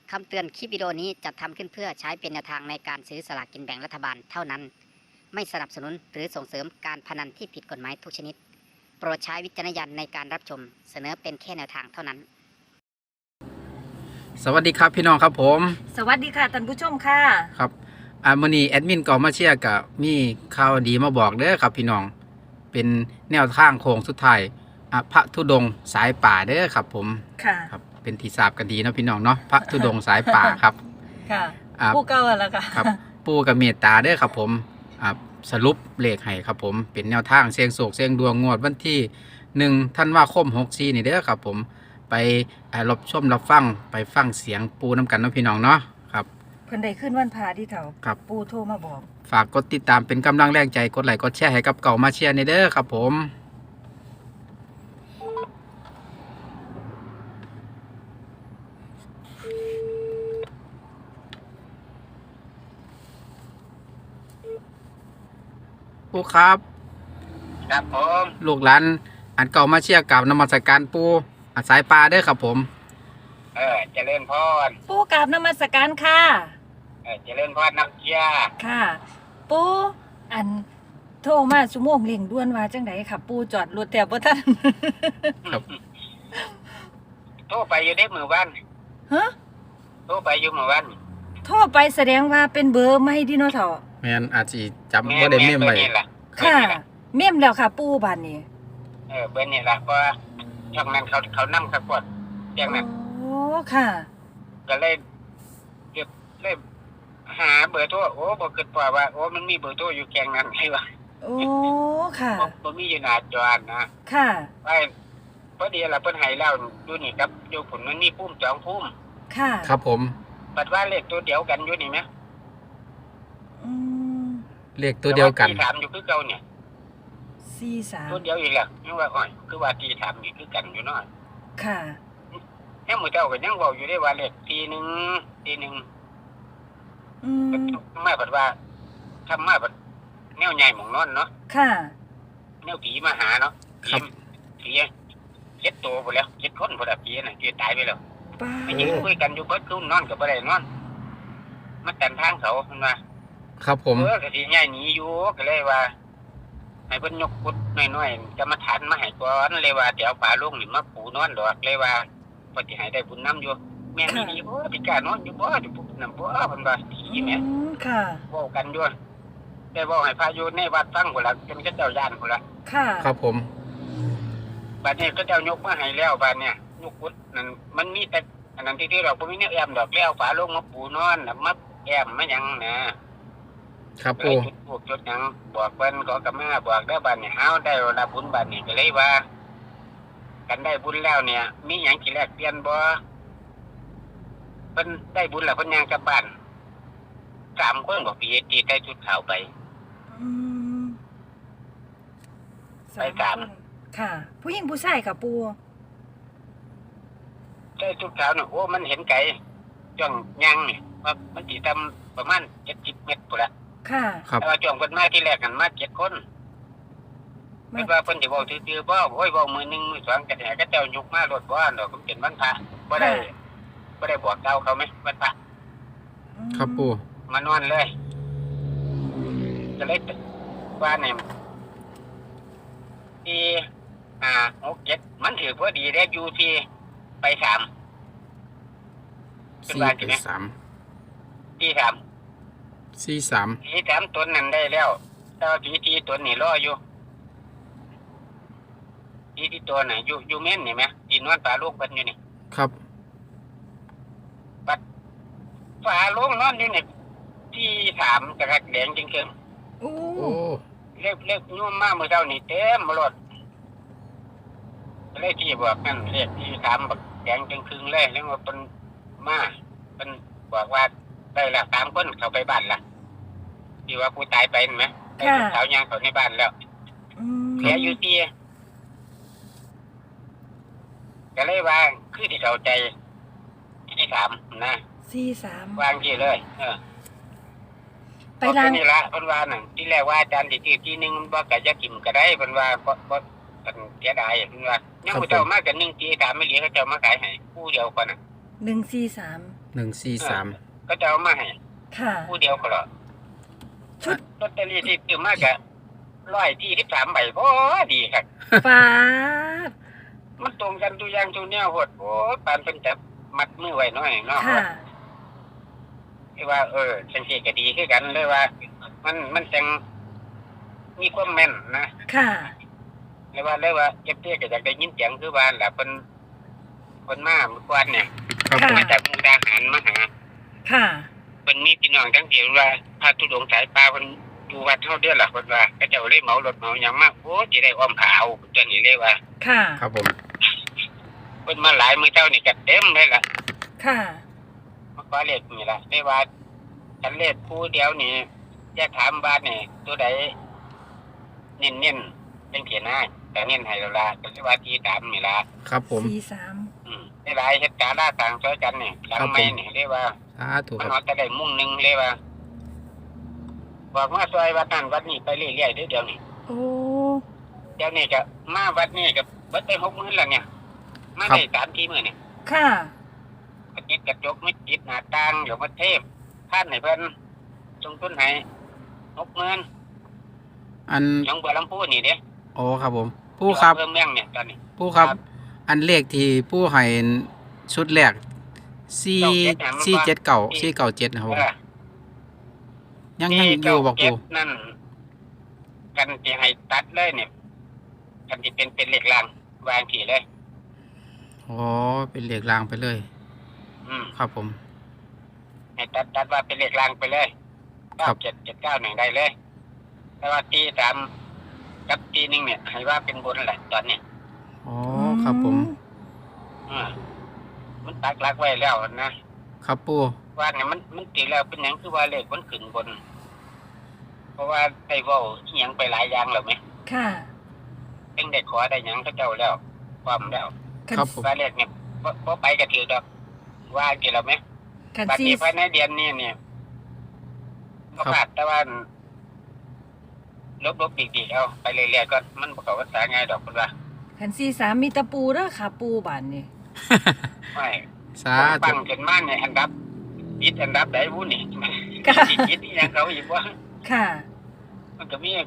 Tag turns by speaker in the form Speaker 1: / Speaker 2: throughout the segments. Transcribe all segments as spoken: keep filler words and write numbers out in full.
Speaker 1: คำเตือนคลิปวิดีโอนี้จัดทำขึ้นเพื่อใช้เป็นแนวทางในการซื้อสลากกินแบ่งรัฐบาลเท่านั้นไม่สนับสนุนหรือส่งเสริมการพนันที่ผิดกฎหมายทุกชนิดโปรดใช้วิจารณญาณในการรับชมเสนอเป็นแค่แนวทางเท่านั้น
Speaker 2: สวัสดีครับพี่น้องครับผม
Speaker 3: สวัสดีค่ะท่านผู้ชมค่ะ
Speaker 2: ครับอ่ามื้อนี้แอดมินก็มาเชียร์กับมีข่าวดีมาบอกเด้อครับพี่น้องเป็นแนวทางโค้งสุดท้ายอ่ะพระธุดงค์สายป่าเด้อครับผมค่ะครับเป็นที่ทราบกันดีเนาะพี่น้องเนาะพระธุดงค์สายป่าครับ
Speaker 3: ค่ะผู้เก่าแล้วค่ะ
Speaker 2: ครับปู่กับเมตตาเด้อครับผมอ่าสรุปเลขให้ครับผมเป็นแนวทางเสี่ยงโชคเสี่ยงดวงงวดวันที่หนึ่งธันวาคมหกสี่นี่เด้อครับผมไปรับชมรับฟังไปฟังเสียงปูน้ำกันเนาะพี่น้องเนาะครับ
Speaker 3: เพิ่นได้ขึ้นวันพาที่เถา
Speaker 2: ครับ
Speaker 3: ปูโทรมาบอก
Speaker 2: ฝากกดติดตามเป็นกำลังแรงใจกดไลค์กดแชร์ให้กับเก่ามาเชียร์ในเด้อครับผมปูครับ
Speaker 4: ครับผม
Speaker 2: ลูกหลานอันเก่ามาเชียร์กับนมัสการปูอาสายปลาเด้อครับผม
Speaker 4: เออเจริญพร
Speaker 3: ปูกราบนมัสการค่ะ
Speaker 4: เออเจริญพรนักเชียร์
Speaker 3: ค่ะปูอันโทรมาชั่วโมงเร่งด่วนว่าจังไดค่ะปูจอดรถแต่บ่ทัน
Speaker 2: ครับ
Speaker 4: โทรไปอยู่ได้มื้อวัน
Speaker 3: ฮะ
Speaker 4: โทรไปอยู่มื้อวัน
Speaker 3: โทรไปแสดงว่าเป็นเบอร์ใหม่ดิเนาะเฒ่า
Speaker 2: แม่นอาจสิจำบ่ได้เมมไว้
Speaker 3: ค่ะเมมแล้วค่ะปูบัดนี้
Speaker 4: เออเบอร์นี่ล่ะเพราะช่องนั้นเขาเขานำครับพวกแจ้งนั้น
Speaker 3: โอ้ค่ะ
Speaker 4: ก็เลยเก็บเลยหาเบอร์โทรโอ้บ่คิดพอว่าโอ้มันมีเบอร์โทรอยู่แกงนั้นใช่ป่ะ
Speaker 3: โอ้ค่ะ
Speaker 4: บ่มีอยู่หน้าจอนะ
Speaker 3: ค่ะ
Speaker 4: ไปพอดีล่ะเพิ่นให้แล้วอยู่นี่ครับอยู่ผลมันมีพุ่มสองพุ่ม
Speaker 3: ค่ะ
Speaker 2: ครับผม
Speaker 4: บัดว่าเลขตัวเดียวกันอยู่นี่มั้ย
Speaker 3: อืม
Speaker 2: เลขตัวเดียวกัน
Speaker 4: ที่ถามอยู่คือเก่าเนี่ย
Speaker 3: สี่สาม
Speaker 4: ตัวเดียวอีกแล้วยังว่าอ้อยคือว่าที่ถามนี่คือกันอยู่เนาะ
Speaker 3: ค่ะ
Speaker 4: ยังมื้อเจ้าก็ยังเว้าอยู่ได้ว่าเลขทีหนึ่งทีหนึ่ง
Speaker 3: อืม
Speaker 4: มาบัดว่าทำมาบัดแนวใหญ่หม่องนอนเนาะ
Speaker 3: ค่ะ
Speaker 4: แนวผีมาหาเนาะผีผีเจ็ดตัวพุ่นแล้วเจ็ดคนพุ่นน่ะผีน่ะที่ตายไปแล้วไปยืนคุยกันอยู่เบิดคืนนอนก็บ่ได้นอนมาตันทางเขาเพิ่นว่า
Speaker 2: ครับผม
Speaker 4: เออก็สิย้ายหนีอยู่ก็เลยว่าให้เพิ่นยกกุดน้อยๆจะมาฐานมาให้ก่อนเลยว่าเดี๋ยวป่าลุงนี่มาปูนอนดอกเลยว่าเพิ่นสิให้ได้บุญนำอยู่แม่นอีหลีบ่สิกล้านอนอยู่บ่สิปุ๊บนำบ่เพิ่นว่าผีแม่
Speaker 3: ค่ะ
Speaker 4: เว้ากันอยู่ได้เว้าให้พาอยู่ในวัดฟังพุ่นล่ะจนเขาเจ้าย่านพุ่นล่ะ
Speaker 3: ค่ะ
Speaker 2: ครับผม
Speaker 4: บัดนี้เขาเจ้ายกมาให้แล้วบัดเนี่ยยกกุดนั่นมันมีแต่อันนั้นที่ๆเราบ่มีแนวแอมดอกแล้วป่าลุงมาปูนอนน่ะมาแอมมาหยังนะครับ
Speaker 2: ปู่
Speaker 4: จุดพวกจุดหยังบอกเพิ่นก็กะมาบอกเด้อบัดนี้เฮาได้รับบุญบัดนี้ก็เลยว่ากันได้บุญแล้วเนี่ยมีหยังสิแลกเปลี่ยนบ่เพิ่นได้บุญแล้วเพิ่นย่างกลับบ้านสามคนบ่ปีที่ใส่ชุดขาวไป
Speaker 3: อืม
Speaker 4: ไปสาม
Speaker 3: ค่ะผู้หญิงผู้ชายค่ะปู่
Speaker 4: ใส่ชุดขาวน่ะโอ้มันเห็นไกลจ้องย่างนี่ว่ามันสิทำประมาณเจ็ดสิบเมตรพุ่นล่ะ
Speaker 3: ค่ะ
Speaker 4: แต่ว่าช่วงเพิ่นมาที่แรกกันมาเจ็ดคนเพิ่นว่าเพิ่นสิเว้าซื่อๆบ่โอ้ยเว้ามื้อหนึ่งมื้อสองก็ได้ก็เจ้ายกมารถบ่ดอกมันเป็นวันพระบ่ได้บ่ได้บอกเก่าเขามั้ยวันพระ
Speaker 2: ครับปู่
Speaker 4: มานอนเลยก็เลยว่าเนี่ยที่ห้า หก เจ็ดมันถือพอดีได้อยู่ที่ไปสาม
Speaker 2: สี่ไปสาม
Speaker 4: ที่สาม
Speaker 2: สี่สาม
Speaker 4: ที่สามตัวนั้นได้แล้วแต่ว่าที่ที่ตัวนี้รออยู่ที่ที่ตัวไหนอยู่อยู่เม่นนี่ไหมที่นวลปลาลูกเป็นอยู่นี่
Speaker 2: ครับ
Speaker 4: บัดปลาลูกนอนอยู่นี่ที่สามกระดักแดงจริงๆ
Speaker 3: โอ้
Speaker 4: เล็กเล็กนุ่มมากเมื่อเช้านี่เต็มหมดเลยที่บอกนั่นเรียกที่สามบักแดงจริงคืนเลยแล้วว่าเป็นมาเป็นบอกว่าได้ละสามคนเข้าไปบ้านละที่ว่าผู้ตายไปเห็นไหมไอ้สาวยางเขาในบ้านแล้วเหลืออยู่ที่ก็เลยว่าคือที่เข้าใจที่สามนะ
Speaker 3: สี่สาม
Speaker 4: วางที่เลยเออไปร้านนี่ละเพิ่นว่านั่นที่แรกว่าอาจารย์สิซื้อที่นึงบ่ก็จะกินก็ได้เพิ่นว่าบ่บ่เพิ่นเสียดายเพิ่นว่ายังบ่เจ้ามากันหนึ่งที่สามไม่เหลือเขาเจ้ามาขายให้ผู้เดียวก่อนน่ะ
Speaker 3: หนึ่งสี่สาม
Speaker 2: หนึ่งสี่สาม
Speaker 4: ก็จะเอามาให้
Speaker 3: ค่ะ
Speaker 4: ผู้เดียวก็หรอ
Speaker 3: ชุด
Speaker 4: ลอตเตอรี่ที่ซื้อมากะร้อยที่สิบสามใบพอดีครับ
Speaker 3: ฟ้าด
Speaker 4: มันตรงกันทุกอย่างทุกแนวโหดโอ้ยปานเพิ่นจับมัดมือไว้หน่อยเนาะ
Speaker 3: ค่ะ
Speaker 4: ที่ว่าเออจังซี่ก็ดีคือกันเลยว่า มันมันจังมีความแม่นนะ
Speaker 3: ค่ะ
Speaker 4: เลยว่าเลยว่าเอฟซีก็อยากได้ยินเสียงคือว่าแหละเพิ่นเพิ่นมาเมื่อวานเนี่ย
Speaker 2: ครับผม
Speaker 4: มาจากมุกดาหารมาหา
Speaker 3: ค่ะ
Speaker 4: เพิ่นมีพี่น้องทั้งเดียวว่าพระธุดงค์สายปลาเพิ่นอยู่วัดเฮาเด้อล่ะเพิ่นว่าก็เจ้าเลยเหมารถเหมาหยังมาโอ้สิได้อ้อมผาเอาตัวนี้เลยว่า
Speaker 3: ค่ะ
Speaker 2: ครับผม
Speaker 4: เพิ่นมาหลายมื้อเจ้านี่ก็เต็มเลยล่ะ
Speaker 3: ค่ะ
Speaker 4: มาขอเลขนี่ล่ะได้ว่าคันเลขคู่เดียวนี่จะถามว่านี่ตัวใดเน้นๆจังซี่นะแต่เน้นให้แล้วล่ะก็สิว่าที่ตามนี่ล่ะ
Speaker 2: ครับผม
Speaker 3: สี่สาม
Speaker 4: อืมได้หลายเฮ็ดการล่าต่างช่วยกันนี่หลังไม่นี่เรียกว่า
Speaker 2: สาธุ
Speaker 4: มัน
Speaker 2: ครับ
Speaker 4: ฮอดจะได้มุ่งหนึงเรียกว่าบอกว่าซอยวัดนั้นวัดนี้ไปเรื่อยๆเด้อเดี๋ยวนี้
Speaker 3: โอ้
Speaker 4: เดี๋ยวนี้ก็มาวัดนี้ก็เบิดไปหกหมื่นแล้วเนี่ยมาได้สามทีมื้อนี่
Speaker 3: ค่ะ
Speaker 4: ก็ติดกระจกไม่ติดหน้าต่างเดี๋ยวมาเทพท่านให้เพิ่นลงทุนให้หกหมื่น
Speaker 2: อัน
Speaker 4: หนองบัวลำพูนี่เด้
Speaker 2: โอ้ครับผมผู้ครับ
Speaker 4: เพิ่มเมืองเนี่ยตอนนี้
Speaker 2: ผู้ครับ
Speaker 4: ครับ
Speaker 2: อันเลขที่ผู้ให้ชุดแรกสี่สี่เจ็ดเก่าสี่เก่าเจ็ดนะครับผม
Speaker 4: เออ
Speaker 2: ยังยังอยู่บอก
Speaker 4: เก็
Speaker 2: ปู
Speaker 4: บนั่นกันที่ให้ตัดเลยเนี่ยกันที่เป็นเป็นเหล็กรางวางถี่เลย
Speaker 2: อ๋อเป็นเลขรางไปเลย
Speaker 4: อืม
Speaker 2: ครับผม
Speaker 4: ให้ตัดตัดว่าเป็นเหล็กรางไปเลย
Speaker 2: ครั
Speaker 4: เก้า
Speaker 2: บ
Speaker 4: เจ็ดเจ็ดเก้าหนึ่งได้เลย แต่ว่าตีสามกับตีหนึ่งเนี่ย ให้ว่าเป็นบนแหละตอนเนี้ย
Speaker 2: อ๋อครับผม
Speaker 4: อืมมันตักหลักไว้แล้วนะครับ
Speaker 2: ปู
Speaker 4: ว่าเนี่ยมันมันตีแล้วเป็นหยังคือว่าเลขมันขึ้นบน เพราะว่าได้เว้าอิหยังไปหลายอย่างแล้วไหม
Speaker 3: ค่ะ
Speaker 4: เพิ่งได้ขอได้หยังเขาเจ้าแล้วความแล้ว
Speaker 2: ครับผม
Speaker 4: ว่าเลขเนี่ยบ่บ่ไปกระถือดอกว่ากี่แล้วไหม
Speaker 3: คัน
Speaker 4: บัด
Speaker 3: สี่
Speaker 4: นี้ภายในเดือนนี้เนี่ยก็ขาดแต่ว่าลบลบดีๆเอาไปเรื่อยๆก็มันบ่เข้าภาษาง่ายดอกคุณว่า
Speaker 3: คันสี่สามมีตะปูเด้อค่ะ ปูบานนี่
Speaker 4: ไม่
Speaker 2: สา
Speaker 4: ปั
Speaker 2: ธุ
Speaker 4: งจนมาเนี่ยอันดับติดอันดับใดวุ้นนี่
Speaker 3: ค่ะ
Speaker 4: ติดติดอีหยังเขาอีกว่า
Speaker 3: ค่ะ
Speaker 4: มันก็มี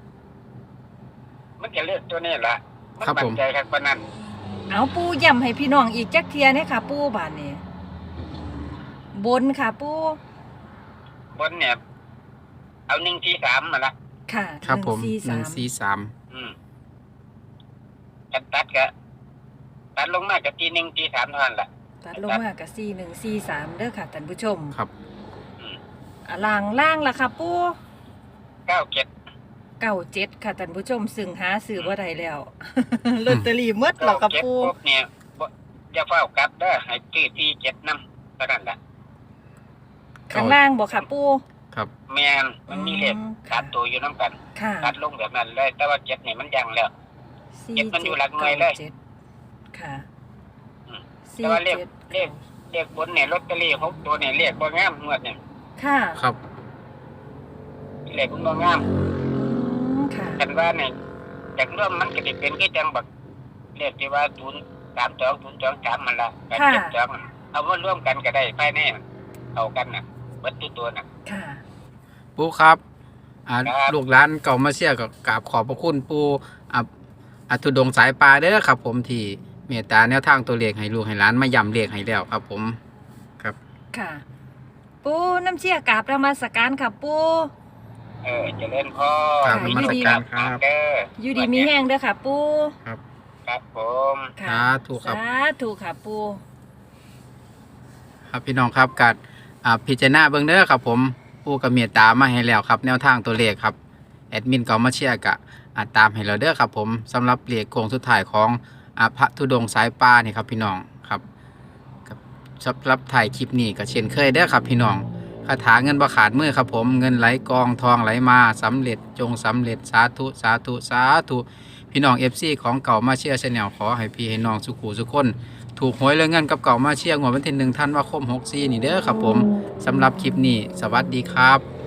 Speaker 4: มันจะเลือกตัวนี้ล่ะมัน
Speaker 2: ครับ
Speaker 4: มั่
Speaker 2: ผ
Speaker 4: น
Speaker 2: ม
Speaker 4: ใจครับปานนั้น
Speaker 3: เอาปูย้ำให้พี่น้องอีกจักเทียเนี่ยค่ะ ปูบานนี่บนค่ะ ปู
Speaker 4: บนเนี่ย เอาหนึ่งที่สามมาละ
Speaker 3: ค่ะ
Speaker 2: ครับผม
Speaker 3: หนึ่ง
Speaker 2: ห
Speaker 3: สี่
Speaker 2: นึ่ง
Speaker 3: สาม
Speaker 2: สี่สาม
Speaker 4: อืมตัดตัดก็ตัดลงมากับทีหนึ่งทีสามเท่านั้นล่ะ
Speaker 3: ตัดลงมากับสี่หนึ่งสี่สามเด้อค่ะท่านผู้ชม
Speaker 2: ครับ
Speaker 3: อ่ะล่างล่างล่ะค่ะ ปู
Speaker 4: เก้าเจ็ด
Speaker 3: เก้าเจ็ดค่ะท่านผู้ชมซึ่งหาซื้อบ่ได้แล้ว ลอตเตอรี่หมดแล้
Speaker 4: เก้าว
Speaker 3: ค่ะ
Speaker 4: เจ็ด
Speaker 3: ปู
Speaker 4: ปุ๊บเนี่ยบ่อย่าเฝ้ากลับเด้อให้ซื้อที่เจ็ดน้ำเท่านั้นล่ะ
Speaker 3: ข้างล่างบ่ค่ะ ปู
Speaker 2: ครับ
Speaker 4: แม่นมันมีเลข
Speaker 3: อืม
Speaker 4: ตัดตัวอยู่น้ำกัน
Speaker 3: ค่ะ
Speaker 4: ตัดลงแบบนั้นเลย แต่ว่าเจ็ดนี่มันยังแล้ว
Speaker 3: สี่
Speaker 4: เจ็ดมันอยู่หลักหน่วยเลย
Speaker 3: จ็ดค่ะ
Speaker 4: อืม
Speaker 3: สี่
Speaker 4: แต่ว่าเลข
Speaker 3: จ็ด
Speaker 4: เลข เลขบนเนี่ยลอตเตอรี่หกตัวเนี่ยเลขบ่งามงวดเนี่ย
Speaker 3: ค่ะ
Speaker 2: ครับ
Speaker 4: เลขมันบ่งาม
Speaker 3: อืมค่ะ
Speaker 4: กันว่าเนี่ยจากร่วมมันก็สิเป็นคือจังบักเลขที่ว่าศูนย์สามสองศูนย์สองสามมันละแปดเจ็ดสองเอามาร่วมกันก็ได้ภายในเอากันน่ะเบิดทุกตัวน่ะ
Speaker 3: ค่ะ
Speaker 2: ปูครับอ่า
Speaker 4: ครับ
Speaker 2: ลูกหลานเก่ามาเชียร์กับกราบขอบพระคุณปูอ่ะอัทุดงค์สายปลาเด้อครับ ผมที่เมตตาแนวทางตัวเลขให้ลูกให้หลานมาย้ำเลขให้แล้วครับ ผมครับ
Speaker 3: ค่ะ ปูน้ำเชี่ยกราบประมาสการค่ะ ปู
Speaker 4: เออเจริญพร
Speaker 2: ครับ
Speaker 3: ค่ะ
Speaker 2: นมัสการครับ
Speaker 4: เด้อ
Speaker 3: อยู่ดีมีแห้งเด้อค่ะ ปู
Speaker 2: ครับ
Speaker 4: ครับผม
Speaker 3: ค่ะ
Speaker 2: สาธุครับ
Speaker 3: สาธุค่ะ ปู
Speaker 2: ครับพี่น้องครับกัดอ่าพิจารณาเบื้องเด้อครับผมผู้กับเมตตามาให้แล้วครับ แนวทางตัวเลขครับแอดมินก็มาเชียร์กะอ่าตามให้เราเด้อครับผมสำหรับเลขโค้งสุดท้ายของอ่าพระธุดงค์สายปลานี่ครับพี่น้องครับกับสำหรับถ่ายคลิปนี้ก็เช่นเคยเด้อครับพี่น้องคาถาเงินบ่ขาดมือครับผมเงินไหลกองทองไหลมาสำเร็จจงสำเร็จสาธุสาธุสาธุพี่น้อง เอฟ ซี ของเก่ามาเชียร์ชาแนลขอให้พี่ให้น้องสุขุสุขคน ถูกหวยเรื่องเงินกับเก่ามาเชียร์งวดวันที่หนึ่งท่านว่าคมหกสี่นี่เด้อครับผมสำหรับคลิปนี้ สวัสดีครับ